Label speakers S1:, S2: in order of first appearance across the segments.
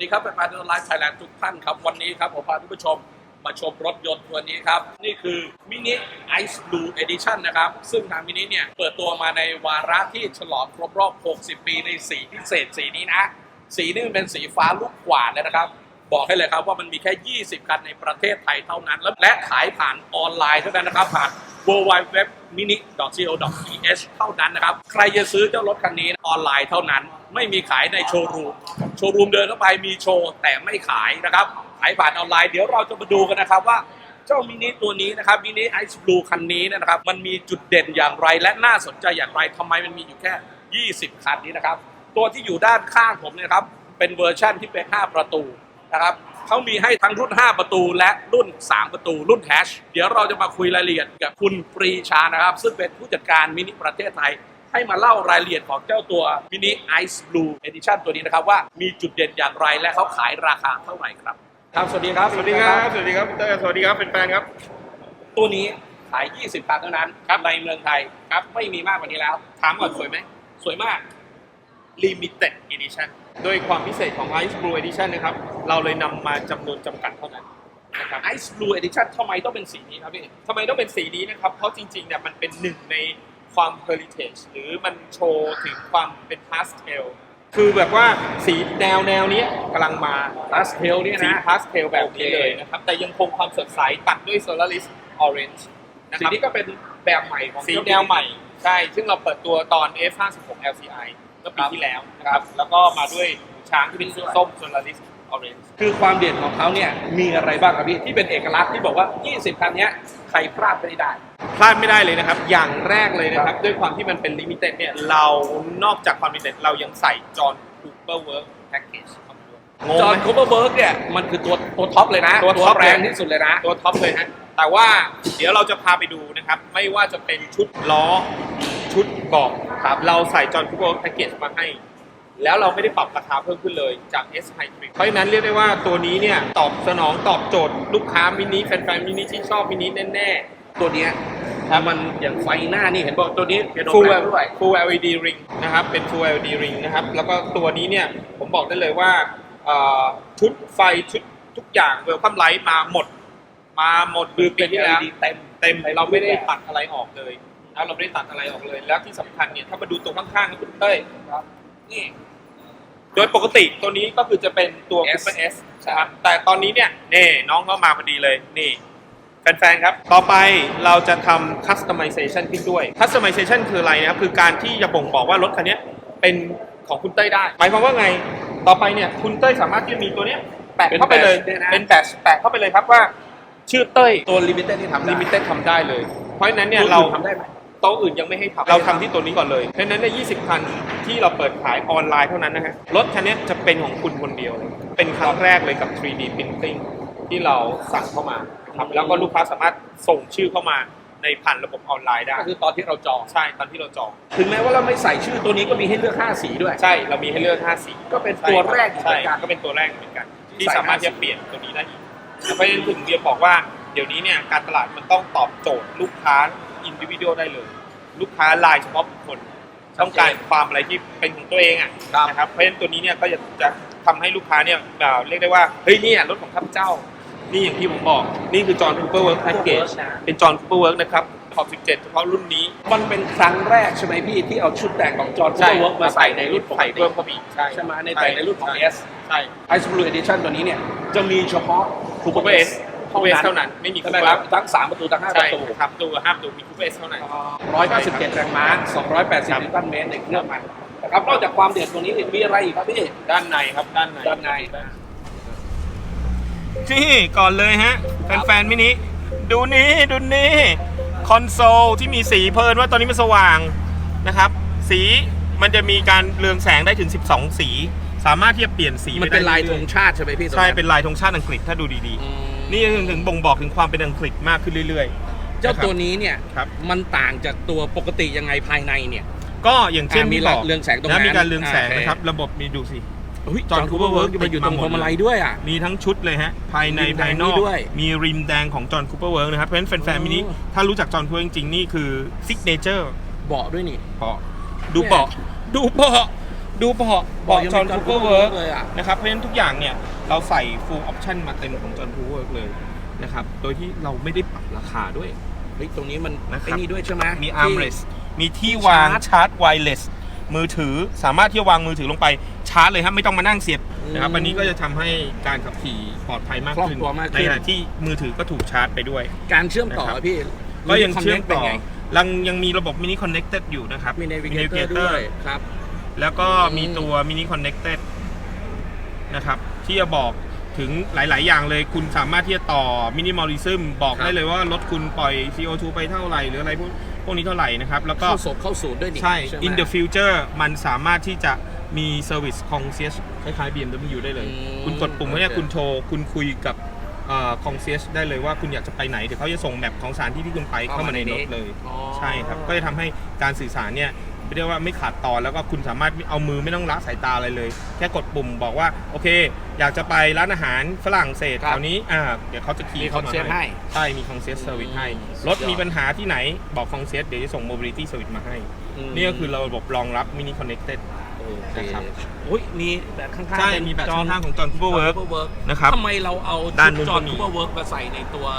S1: ดีครับแฟนๆไลฟ์ไทยแลนด์ทุกท่านครับวันนี้ครับผมพาทุกผู้ชมมาชมรถยนต์ตัวนี้ครับนี่คือมินิไอซ์บลูเอดิชั่นนะครับซึ่งทางมินิเนี่ยเปิดตัวมาในวาระที่ฉลองครบรอบ 60 ปีในสีพิเศษสีนี้นะสีนี้มันเป็นสีฟ้าลูกกวาดเลยนะครับบอกให้เลยครับว่ามันมีแค่ 20 คันในประเทศไทยเท่านั้นและขายผ่านออนไลน์เท่านั้นนะครับผ่าน www.mini.co.th เท่านั้นนะครับใครจะซื้อเจ้ารถคันนี้ออนไลน์เท่านั้นไม่มีขายในโชว์รูมเดินเข้าไปมีโชว์แต่ไม่ขายนะครับขายผ่านออนไลน์เดี๋ยวเราจะมาดูกันนะครับว่าเจ้ามินิตัวนี้นะครับมินิไอซ์บลูคันนี้นะครับมันมีจุดเด่นอย่างไรและน่าสนใจอย่างไรทำไมมันมีอยู่แค่ 20 คันนี้นะครับตัวที่อยู่ด้านข้างผมเนี่ยครับเป็นเวอร์ชั่นที่เป็น 5 ประตูนะครับเขามีให้ทั้งรุ่น 5 ประตูและรุ่น 3 ประตูรุ่นแฮชเดี๋ยวเราจะมาคุยรายละเอียดกับคุณปรีชานะครับซึ่งเป็นผู้จัดการมินิประเทศไทยให้มาเล่ารายละเอียดของเจ้าตัวมินิไอซ์บลูเอดิชั่นตัวนี้นะครับว่ามีจุดเด่นอย่างไรและเขาขายราคาเท่าไหร่ครับครับสวัสดีครับ
S2: สวัสดีครับสวัสดีครับเตอร์สวัสดีครับแฟนๆครับ
S1: ตัวนี้ขาย 20 คันเท่านั้นครับในเมืองไทยครับไม่มีมากกว่านี้แล้วถามก่อนสวยไหมสวยมาก
S2: Limited Edition โดยความพิเศษของ Ice Blue Edition นะครับเราเลยนำมาจำนวนจำกัดเท่านั้นนะครับ
S1: Ice Blue Edition ทำไมต้องเป็นสีนี้ครับพี่
S2: ทำไมต้องเป็นสีนี้นะครับเพราะจริงๆเนี่ยมันเป็นหนึ่งในความ heritage หรือมันโชว์ถึงความเป็น pastel คือแบบว่าสีแนวนี้กำลังมา
S1: pastel เนี่ยนะ
S2: สี pastel แบบนี้เลยนะครับแต่ยังคงความสดใสตัดด้วย Solaris Orange นะค
S1: สี
S2: รับ
S1: นี้ก็เป็นแบบใหม่ของ
S2: สีแนวใหม่ใช่ซึ่งเราเปิดตัวตอน F56 LCI เมื่อปีที่แล้วนะครับแล้วก็มาด้วยช้างที่เป็นส้ม Solaris Orange
S1: คือความเด่นของเขาเนี่ยมีอะไรบ้างครับพี่ที่เป็นเอกลักษณ์ที่บอกว่า 20 คันนี้ใครพลาดไม่ได้
S2: พลาดไม่ได้เลยนะครับอย่างแรกเลยนะครับด้วยความที่มันเป็น Limited เนี่ยเรานอกจากความ Limited เรายังใส่ John Cooper Work Package เข้ามาด้วย
S1: จอห์นคูเปอร์เบิร์กเนี่ยมันคือตัวท็อปเลยนะ
S2: ตัวท็อป
S1: แรงที่สุดเลยนะ
S2: ตัวท็อปเลยฮะแต่ว่าเดี๋ยวเราจะพาไปดูนะครับไม่ว่าจะเป็นชุดล้อชุดเบาะครับเราใส่ John Cooper Work Package มาให้แล้วเราไม่ได้ปรับราคาเพิ่มขึ้นเลยจาก S Hybrid เพราะฉะนั้นเรียกได้ว่าตัวนี้เนี่ยตอบโจทย์ลูกค้ามินิแฟนๆมินิที่ชอบมินิแน่
S1: ๆตัวนี้มันอย่างไฟหน้านี่เห็นบอกตัวนี้เป็น
S2: Full LED ring นะครับเป็น Full LED ring นะครับแล้วก็ตัวนี้เนี่ยผมบอกได้เลยว่าชุดไฟชุดทุกอย่าง Welcome Light มาหมดคือปีที่แล้วเต็มเราไม่ได้ตัดอะไรออกเลยนะเราไม่ได้ตัดอะไรออกเลยแล้วที่สำคัญเนี่ยถ้ามาดูตัวข้างๆนะคุณเต้ยนี่โดยปกติตัวนี้ก็คือจะเป็นตัว Cooper S นะครับแต่ตอนนี้เนี่ยนี่น้องก็มาพอดีเลยนี่แฟนๆครับต่อไปเราจะทำ customization ขึ้นด้วย customization คืออะไรนะครับคือการที่จะบ่งบอกว่ารถคันนี้เป็นของคุณเต้ยได้หมายความว่าไงต่อไปเนี่ยคุณเต้ยสามารถที่จะมีตัวนี้แปะเข้าไปเลยเป็นแบตแปะเข้าไปเลยครับว่าชื่อเต้ย
S1: ตัว Limited ที่ทำ
S2: Limited ทำได้เลยเพราะฉะนั้นเนี่ยเรา
S1: ทำได้ไหม
S2: โต๊ะอื่นยังไม่ให้ทำเราทำที่ตัวนี้ก่อนเลยเพราะฉะนั้นใน 20 คันที่เราเปิดขายออนไลน์เท่านั้นนะฮะรถคันนี้จะเป็นของคุณคนเดียวเลยเป็นครั้งแรกเลยกับ 3D Printing ที่เราสั่งเข้ามาครับแล้วก็ลูกค้าสามารถส่งชื่อเข้ามาในผ่านระบบออนไลน์ได้
S1: ก็คือตอนที่เราจอง
S2: ใช่ตอนที่เราจอง
S1: ถึงแม้ว่าเราไม่ใส่ชื่อตัวนี้ก็มีให้เลือก5สีด้วย
S2: ใช่เรามีให้เลือก5สี
S1: ก็เป็นตัวแรกเหมือนกัน
S2: ก็เป็นตัวแรกเหมือนกันที่สามารถจะเปลี่ยนตัวนี้ได้อีกเพราะฉะนั้นถึงเรียนบอกว่าเดี๋ยวนี้เนี่ยการตลาดมันต้องตอบโจทย์ลูกค้าอินดิวิวได้เลยลูกค้ารายเฉพาะบุคคลต้องการความอะไรที่เป็นของตัวเองอ่ะนะครับเพราะฉะนั้นตัวนี้เนี่ยก็จะทำให้ลูกค้าเนี่ยเรียกได้ว่าเฮ้ยนี่รถของข้าพเจ้านี่อย่างที่ผมบอกนี่คือ John Cooper Work Package เป็น John Cooper Work นะครับขอบ17เฉพาะรุ่นนี้
S1: มันเป็นครั้งแรกใช่ไหมพี่ที่เอาชุดแต่งของ John Cooper Work มาใส่ในรุ่นปกติ
S2: เพิ่มเข้าไป
S1: ใช่ไหมในรุ่นของ S
S2: ใช่
S1: Ice Blue Edition ตัวนี้เนี่ยจะมีเฉพาะ
S2: Cooper Sเท่านั้นไม่มี
S1: Cooper ทั้ง3ประตูทั้ง5ประตู
S2: ครับตัว5ประตูมี Cooper S เท่านั้น
S1: 197แรงม้า280นิวตันเมตรในเครื่องมันนะครับนอกจากความเด่นตรงนี้มีอะไรอีกครับพี่
S2: ด้านในครับด้านในนี่ก่อนเลยฮะแฟนๆมินิดูนี่คอนโซลที่มีสีเพลินว่าตอนนี้มันสว่างนะครับสีมันจะมีการเรืองแสงได้ถึง12สีสามารถที่จะเปลี่ยนสี
S1: มันเป็นลายธงชาติใช่ไหมพี่
S2: ใช่เป็นลายธงชาติอังกฤษถ้าดูดีๆนี่ถึงบ่งบอกถึงความเป็นอังกฤษมากขึ้นเรื่อย
S1: ๆเจ้าตัวนี้เนี่ยมันต่างจากตัวปกติยังไงภายในเนี่ย
S2: ก็อย่างเช่น
S1: มีเรืองแสงตรงนั้น
S2: มีการเรืองแสงนะครับระบบมีดูสิ
S1: จอห์นคูเปอร์เวิร์กมันอยู่ตรงพวงมาลัยด้วยอ่ะ
S2: มีทั้งชุดเลยฮะภายในภายนอกมีริมแดงของจอห์นคูเปอร์เวิร์กนะครับเพราะฉะนั้นแฟนๆมินิถ้ารู้จักจอห์นคูเปอร์จริงๆนี่คือซิกเนเจอร์
S1: เบาะด้วยนี่
S2: เบาะดูเบาะดูเบาะ
S1: ยัง
S2: จอห์น
S1: มี
S2: คูเปอร์เวิร์ก
S1: เลยอ่ะ
S2: นะครับเพราะฉะนั้นทุกอย่างเนี่ยเราใส่ full option มาเต็มของจอห์นคูเปอร์เวิร์กเลยนะครับโดยที่เราไม่ได้ปรับราคาด้วย
S1: เฮ้ยตรงนี้มัน
S2: นะครับ
S1: ไอ้นี่ด้วยใช่ไหม
S2: มี
S1: ที่
S2: armrest มีที่วางชาร์จไวเลสมือถือสามารถที่จะวางมือถือลงไปชาร์จเลยครับไม่ต้องมานั่งเสียบนะครับอันนี้ก็จะทำให้การขับขี่ปลอดภัยมาก
S1: คล่อง
S2: ขึ้น
S1: ตัวมากขึ้น
S2: ในขณะที่มือถือก็ถูกชาร์จไปด้วย
S1: การเชื่อมต่อ
S2: นะครับ
S1: พี่
S2: ก็ยังเชื่อมต่อ
S1: ป็นไง
S2: ยังมีระบบ mini connected อยู่นะครับ
S1: มี
S2: Mini
S1: navigator ด้วยครับ
S2: แล้วก็มีตัว mini connected นะครับที่จะบอกถึงหลาย ๆ อย่างเลยคุณสามารถที่จะต่อ minimalism บอก
S1: ครับ
S2: ได้เลยว่ารถคุณปล่อย CO2 ไปเท่าไหร่หรืออะไรพวกนี้เท่าไหร่นะครับแล้วก็
S1: เข้าศูนย์ด้วยนี่
S2: ใช่
S1: ไหม
S2: in the future มันสามารถที่จะมี service concierge คล้ายๆ BMW ได้เลย คุณกดปุ่มเนี่ย
S1: โอเค
S2: คุณโทรคุณคุยกับconcierge ได้เลยว่าคุณอยากจะไปไหนเดี๋ยวเขาจะส่งแมปของสถานที่ที่คุณไปเข้ามาในรถเลย
S1: อ๋อ
S2: ใช่ครับก็จะทำให้การสื่อสารเนี่ยเรียกว่าไม่ขาดตอนแล้วก็คุณสามารถเอามือไม่ต้องละสายตาอะไรเลย แค่กดปุ่มบอกว่าโอเค อยากจะไปร้านอาหารฝรั่งเศส
S1: ครับ
S2: แถวนี้เดี๋ยวเขาจะขี่
S1: มี
S2: เข้ามา
S1: concierge ให้
S2: ใช่มี concierge service ให้
S1: สุดยอด
S2: รถมีปัญหาที่ไหนบอก concierge เดี๋ยวจะส่ง mobility service มาให้ นี่ก็คือระบบรองรับ mini connected
S1: โอเค
S2: นะครับ
S1: อุ้ยมีแบบข้างๆ
S2: ใช่
S1: เป็น
S2: มีแบบ
S1: จอห์
S2: ข้างๆของ John Cooper Work
S1: Work
S2: นะครับ
S1: ทำไมเราเอา
S2: ด้าน
S1: ชุ
S2: นู้
S1: ด
S2: น
S1: จอห์น
S2: ก็มี
S1: คูเปอร์เวิร์กมาใส่ในตัว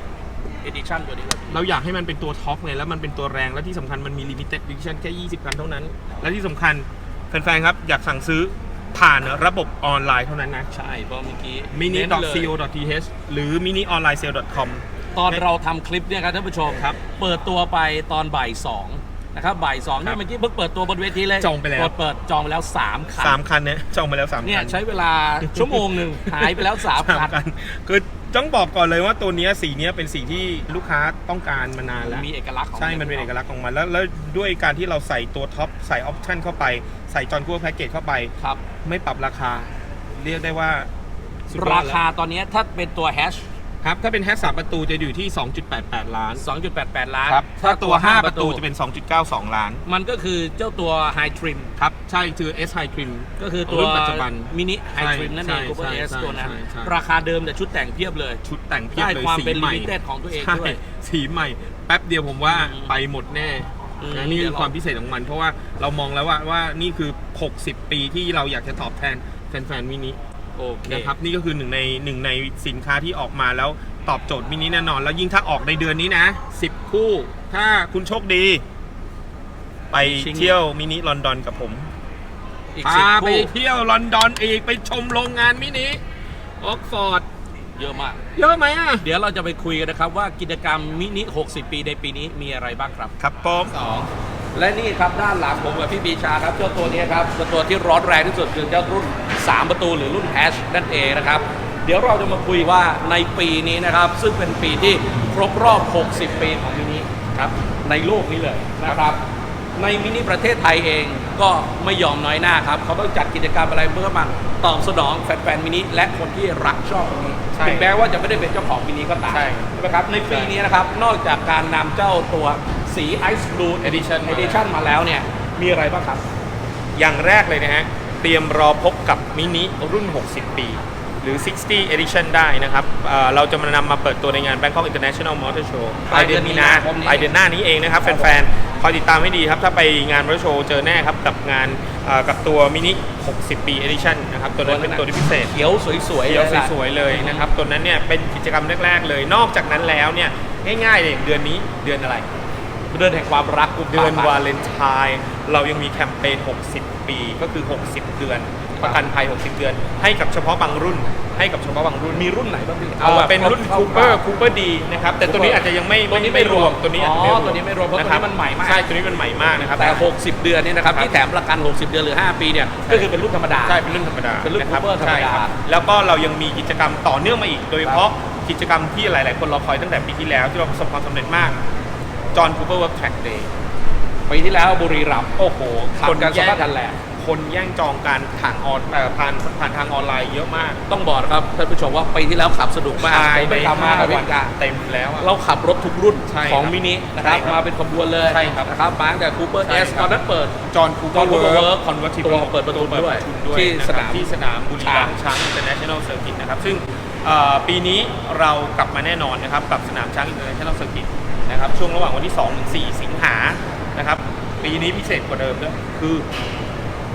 S1: edition ตัวนี้ครับ
S2: เราอยากให้มันเป็นตัวท็อปไงแล้วมันเป็นตัวแรงและที่สำคัญมันมี limited edition แค่ 20 คันเท่านั้น และที่สำคัญแฟนๆครับอยากสั่งซื้อผ่านระบบออนไลน์เท่านั้นนะ
S1: ใช่เพราะเมื่อกี้
S2: mini.co.th หรือ minionlinesale.com
S1: ตอนเราทำคลิปเนี่ยครับท่านผู้ชม
S2: ครับ
S1: เปิดตัวไปตอนบ่ายสองนะครับบ่ายสองเนี่ย
S2: ครับ
S1: เมื่อกี้เพิ่งเปิดตัวบนเวทีเลย
S2: จองไปแล้ว
S1: เปิดจองไปแล้ว 3 คัน
S2: 3 คันเนี่ยจองไปแล้ว 3 คัน
S1: เนี่ยใช้เวลาชั่วโมงหนึ่งหายไปแล้ว 3 คัน
S2: คันคือต้องบอกก่อนเลยว่าตัวเนี้ยสีเนี้ยเป็นสีที่ลูกค้าต้องการมานานแล้ว
S1: มีเอกลักษณ์ของ
S2: ใช่ มันเป็นเอกลักษณ์ของมันแล้วด้วยการที่เราใส่ตัวท็อปใส่ออปชั่นเข้าไปใส่จอห์นคูเปอร์แพ็กเกจเข้าไป
S1: ครับ
S2: ไม่ปรับราคา เรียกได้ว่าสุดยอ
S1: รา
S2: ดแล้ว
S1: คาตอนนี้ถ้าเป็นตัวแฮช
S2: ครับถ้าเป็นแฮช3ประตูจะอยู่ที่ 2.88 ล้าน
S1: 2.88 ล้าน
S2: ครับถ้าตัว 5 ประตูจะเป็น 2.92 ล้าน
S1: มันก็คือเจ้าตัว High Trim
S2: ครับ ใช่คือ S High Trim
S1: ก็คือตัว
S2: รุ่นปัจจุบัน
S1: มินิ High Trim นั่นเอง
S2: ใช่
S1: Cooper
S2: ใช่
S1: S
S2: ใช่
S1: ตัวนั้น
S2: ใช่ใช่
S1: ราคาเดิมแต่ชุดแต่งเพียบเลย
S2: ชุดแต่งเพียบ
S1: ได้
S2: เลย
S1: ความ
S2: สี
S1: เป็น
S2: ใหม่
S1: limited ของตัวเอง
S2: ใช่
S1: ด้วย
S2: สีใหม่ แป๊บเดียวผมว่า
S1: อืม
S2: ไปหมดแน่
S1: อืม
S2: นะนี่คือความพิเศษของมัน เพราะว่าเรามองแล้วว่านี่คือ 60 ปีที่เราอยากจะตอบแทนแฟนๆมินิ
S1: โอเค
S2: นะครับนี่ก็คือหนึ่งในสินค้าที่ออกมาแล้วตอบโจทย์มินิแน่นอน แล้วยิ่งถ้าออกในเดือนนี้นะ10 คู่ ถ้าคุณโชคดี ไป
S1: ชิง
S2: เที่ยวมินิลอนดอนกับผม
S1: อีก
S2: พา
S1: 10
S2: ไป
S1: คู่
S2: เที่ยวลอนดอนอีกไปชมโรงงานมินิออกฟอร์ด
S1: เยอะมาก
S2: เยอะไหมอ่ะ
S1: เดี๋ยวเราจะไปคุยกันนะครับว่ากิจกรรมมินิ 60 ปีในปีนี้มีอะไรบ้างครับ
S2: ครับผม
S1: และนี่ครับด้านหลังผมกับพี่บีชาครับเจ้าตัวนี้ครับเจ้าตัวที่ร้อนแรงที่สุดคือเจ้ารุ่น 3 ประตูหรือรุ่นแฮชนั่นเองนะครับ เดี๋ยวเราจะมาคุยว่าในปีนี้นะครับ ซึ่งเป็นปีที่ครบรอบ 60 ปีของมินิครับในโลกนี้เลยนะครับ ในมินิประเทศไทยเองก็ไม่ยอมน้อยหน้าครับเขาต้องจัดกิจกรรมอะไรเพื่อมาตอบสนองแฟนๆมินิและคนที่รักชอบมินิ
S2: ใช่
S1: ถึงแม้ว่าจะไม่ได้เป็นเจ้าของมินิก็ตาม
S2: ใช่
S1: ใช่ไหมครับในปีนี้นะครับนอกจากการนำเจ้าตัวสีไอซ์บลู Edition มาแล้วเนี่ยมีอะไรบ้างครับ
S2: อย่างแรกเลยนะฮะ เตรียมรอพบกับมินิรุ่น 60 ปี หรือ 60 Edition ได้นะครับเราจะมานำมาเปิดตัวในงาน Bangkok International Motor Show ปลายเดือนมีนาปลายเดือนหน้านี้เองนะครับ แฟนๆ คอยติดตามให้ดีครับ ถ้าไปงาน Motor Show เจอแน่ครับ กับงานกับตัวมินิ 60 ปี Edition นะครับ ตัวนั้นเป็นตัวที่พิเศษ
S1: เขียวสวยๆ
S2: เขียว
S1: ล่ะ
S2: สวยๆเลยนะครับ ตัวนั้นเนี่ยเป็นกิจกรรมแรกๆเลย นอกจากนั้นแล้วเนี่ยง่ายๆเลยเดือนนี้เดือนอะไร
S1: เดือนแห่งความรักกุมภา
S2: เดือน
S1: พันธ์
S2: วาเลนไทน์เรายังมีแคมเปญ 60 ปีก็คือ 60 เดือน ประกันภัย 60 เดือน ให้กับเฉพาะบางรุ่น ให้กับเฉพาะบางรุ่น
S1: มีรุ่นไหนบ้างพี่
S2: แบบเป็นรุ่น Cooper D นะครับ แต่ตัวนี้อาจจะยังไม่
S1: ตัวนี้ไม่รวม
S2: ตัวนี้
S1: อ๋อตัวนี้ไม่รวมเพราะตัวนี้มันใหม่มาก
S2: ใช่ตัวนี้มันใหม่มากนะครับ
S1: แต่ 60 เดือนเนี่ยนะครับ
S2: ครับ
S1: ที่แถมประกัน 60 เดือนหรือ 5 ปีเนี่ยก็คือเป็นรุ่นธรรมดา
S2: ใช่เป็นรุ่นธรรมดา
S1: เป็นรุ่นะ
S2: คบ
S1: Cooper ธรรมดา
S2: ใช่ครับแล้วก็เรายังมีกิจกรรมต่อเนื่องมาอีก โดยเฉพาะกิจกรรมที่หลายๆ คนรอคอยตั้งแต่ปีที่แล้วที่เราประสบความสำเร็จมาก John Cooper Work Track Day
S1: ปีที่แล้วบุรีรัมย์
S2: โอ้โห
S1: ขับกันส
S2: แย่
S1: ภาพทันแหละ
S2: คนแย่งจองการผ่านทางออนไลน์เยอะมาก
S1: ต้องบอกนะครับท่านผู้ชมว่าปีที่แล้วขับสนุกมากผมไปขับมากับพี่กา
S2: เต็มแล้วอะ
S1: เราขับรถทุกรุ่น
S2: ใช่
S1: ของ
S2: ครับ
S1: มินินะครับ
S2: ใช่ครับ
S1: มาเป็นขบวนเลย
S2: ใช่ครับ
S1: นะครับมาตั้งแต่ Cooper
S2: ใช่
S1: S
S2: ครับ
S1: ตอนนั้นเปิด
S2: John Cooper
S1: Cooper
S2: Work
S1: Work
S2: Convertible
S1: ตัวเปิดประตูด้วยที่
S2: นะครับ
S1: สนาม
S2: ที่สนามบุรีรัมย์ช้าง International Circuit นะครับซึ่งปีนี้เรากลับมาแน่นอนนะครับกับสนามช้าง International Circuit นะครับช่วงระหว่างวันที่2 ถึง 4 สิงหานะครับปีนี้พิเศษกว่าเดิมด้วยคือ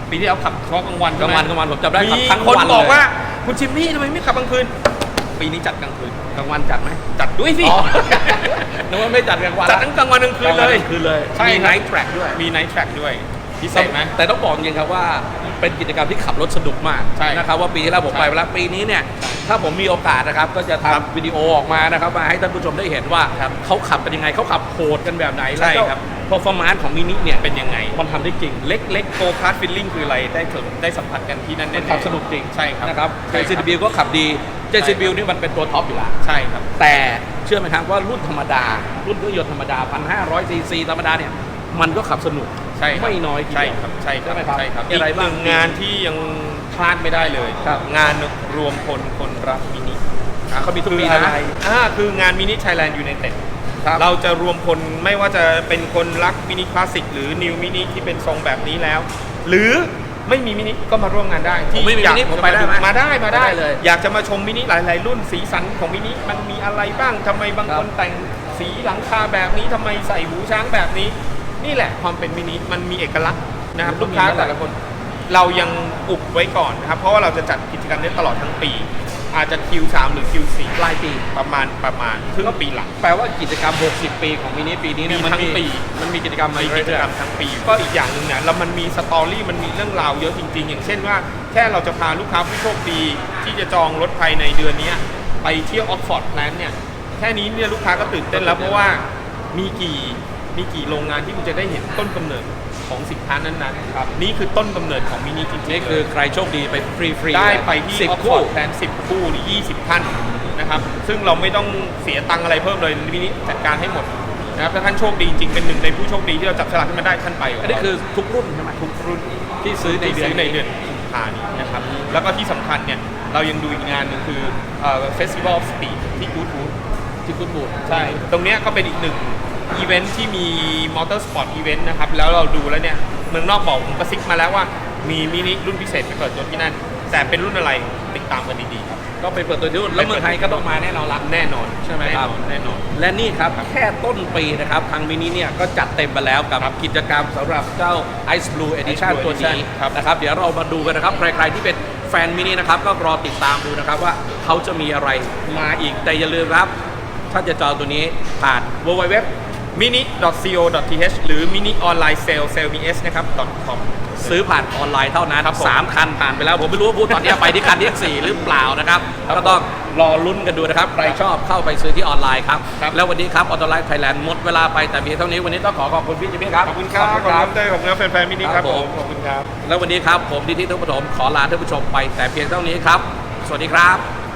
S2: ปีที่แล้วขับเฉพาะกลางวัน
S1: กลางวันผมจำได้ขับ
S2: มี
S1: ทั้ง
S2: คน
S1: วัน
S2: บอก
S1: เลย
S2: ว่าคุณจิมมี่ทำไมไม่ขับกลางคืนปีนี้จัดกลางคืน
S1: กลางวันจัดไหม
S2: จัดด้วยสิ
S1: อ๋อ นึกว่าไม่จัดกลางวัน
S2: จัดทั้งกลางวันกลางคืนเลย
S1: คืนเลย
S2: ใช่
S1: มี
S2: ครับ
S1: ไนท์แทร็กด้วย
S2: มีไนท์แทร็กด้วยพิเศษไหม
S1: แต่ต้องบอกจริงครับว่าเป็นกิจกรรมที่ขับรถสนุกมาก
S2: ใช่
S1: นะครับว่าปีที่แล้วผมไปแล้วปีนี้เนี่ยถ้าผมมีโอกาสนะครับก็จะทำวิดีโอออกมานะครับมาให้ท่านผู้ชมได้เห็นว่าเขาขับกันยังไงเขาขับโหดกันแบบไหน
S2: ใช่
S1: แล้วก็
S2: ครับ
S1: performance ของมินิเนี่ย
S2: เป็นยังไง
S1: มันทำได้จริง
S2: เล็กๆโกคาร์ดฟิลลิ่งคืออะไรได้สัมผัสกันที่นั่น
S1: มัน
S2: แน่ๆ
S1: ขับสนุกจริง
S2: ใช่ครับ
S1: นะครับ
S2: ใช่ครับ
S1: JCB ก็ขับดี JCB นี่มันเป็นตัวท็อปอยู่แล้ว
S2: ใช่ครับ
S1: แต่เชื่อไหมครับว่ารุ่นธรรมดา รุ่นเครื่องยนต์ธรรมดา 1,500 ซีซีธรรมดาเนี่ยมันก็ขับสนุก
S2: ใช่ครับ
S1: ไม่น้อยที
S2: ใช่
S1: เดียว
S2: ครับใช่ครับ
S1: ไหมครับ
S2: ใช่ครับ
S1: มีอะไรบ้าง
S2: กหนึ่งงานที่ยังพลาดไม่ได้เลย
S1: ครับ
S2: งานรวมคนรักมินิ
S1: เขามีทุก
S2: คือ
S1: ปี
S2: อะ
S1: นะ
S2: ไรคืองานมินิไทยแลนด์ยูไนเต็ด
S1: ครับ
S2: เราจะรวมคนไม่ว่าจะเป็นคนรักมินิคลาสสิกหรือนิวมินิที่เป็นทรงแบบนี้แล้ว หรือไม่มีมินิก็มาร่วมงานได้
S1: ผมไม่มี
S2: อยาก
S1: มินิผม
S2: จะ
S1: ไปได้ไหม
S2: มาได้
S1: ได้เลย
S2: อยากจะมาชมมินิหลาย ๆ รุ่นสีสันของมินิมันมีอะไรบ้างทำไมบางคนแต่งสีหลังคาแบบนี้ทำไมใส่หูช้างแบบนี้ นี่แหละความเป็นมินิมันมีเอกลักษณ์นะครับลูกค้าแต่ละคนเรายังอุบไว้ก่อนนะครับเพราะว่าเราจะจัดกิจกรรมนี้ตลอดทั้งปี อาจจะ Q3 หรือ Q4
S1: ปลายปี
S2: ประมาณครึ่งปีหลัง
S1: แปลว่ากิจกรรม 60 ปีของมินิปีนี้เนี่ย
S2: มีทั้งปี
S1: มันมีกิจกรรมมา
S2: มี
S1: เรื่
S2: กิจ
S1: อย
S2: กรรมทั้งปี ก็อีกอย่างหนึ่งเนี่ยแล้วมันมีสตอรี่มันมีเรื่องราวเยอะจริง ๆ อย่างเช่นว่าแค่เราจะพาลูกค้าผู้โชคดีที่จะจองรถภายในเดือนนี้ไปเที่ยวออกฟอร์ดแพลนเนี่ยแค่นี้เนี่ยลูกค้าก็ตื่นเต้นแล้วเพราะว่ามีกี่โรงงานที่คุณจะได้เห็นต้นกำเนิดของสินค้านั้นๆครับนี่คือต้นกำเนิดของมินิจริงๆ
S1: ๆนี่คือใครโชคดีไปฟรีๆ
S2: ได้ไปที่
S1: 10
S2: ออกฟ
S1: คู่
S2: อร์ดแพลน10 คู่หรือ20ท่านนะครับซึ่งเราไม่ต้องเสียตังค์อะไรเพิ่มเลยมินิจัดการให้หมดนะครับถ้าท่านโชคดีจริงเป็นหนึ่งในผู้โชคดีที่เราจับฉลากขึ้นมาได้ท่านไป
S1: อันนี้คือทุกรุ่นใช่ไหม
S2: ทุกรุ่น
S1: ที่ซื้อใน
S2: ที่
S1: เดือน
S2: ซื้อในเดือนกุมภานี้นะครับ แล้วก็ที่สำคัญเนี่ยเรายังดูอีกงานหนึ่งคือFestival of Speed ที่กู๊ดวูด
S1: ที่คุณบูด
S2: ใช่ ตรงเนี้ยก็เป็นอีกหนึ่งอีเวนท์ที่มีมอเตอร์สปอร์ตอีเวนต์นะครับ แล้วเราดูแล้วเนี่ยเมืองนอกบอกผมกระซิบมาแล้วว่ามีมินิรุ่นพิเศษไปเปิดตัวที่นั่น แต่เป็นรุ่นอะไรติดตามกันดีๆครับ
S1: ก็ไปเปิดตัวที่นู่นแล้วเมืองไทยก็ต้องมาแน่นอนละ
S2: แน่นอน
S1: ใช่ไหมครับ
S2: แน่นอน
S1: และนี่ครับแค่ต้นปีนะครับทางมินิเนี่ยก็จัดเต็มไปแล้วกับกิจกรรมสำหรับเจ้า Ice Blue Edition
S2: Blue
S1: ตัวนี้
S2: Edition ครับ
S1: นะครับเดี๋ยวเรามาดูกันนะครับ ใครๆที่เป็นแฟนมินินะครับก็รอติดตามดูนะครับว่าเขาจะมีอะไรมาอีกแต่อย่าลืมครับ ถ้าจะจองตัวนี้ผ่าน www
S2: mini.co.th หรือ mini online sales นะครับ .com
S1: ซื้อผ่านออนไลน์เท่านั้น
S2: ครับผม
S1: 3 คันผ่านไปแล้ว ผมไม่รู้ว่าพูดตอนนี้ไปที่คันที่ 4 หรือเปล่านะครับก็ต้องรอลุ้นกันดูนะครับ ใครชอบเข้าไปซื้อที่ออนไลน์ครับ
S2: ครับ
S1: แล้ววันนี้ครับออโตไลฟ์ไทยแลนด์หมดเวลาไปแต่เพียงเท่านี้วันนี้ต้องขอบคุณพี่จิมมี่ครับ
S2: ขอบคุณครับ ขอบคุณครับเต้ยขอบคุณครับแฟนๆมินิครับ
S1: ครับ
S2: ผ
S1: ผม
S2: มขอบคุณครับ
S1: แล้ววันนี้ครับผมดิทิทุกปฐมขอลาท่านผู้ชมไปแต่เพียงเท่านี้ครับ สวัสดีครับ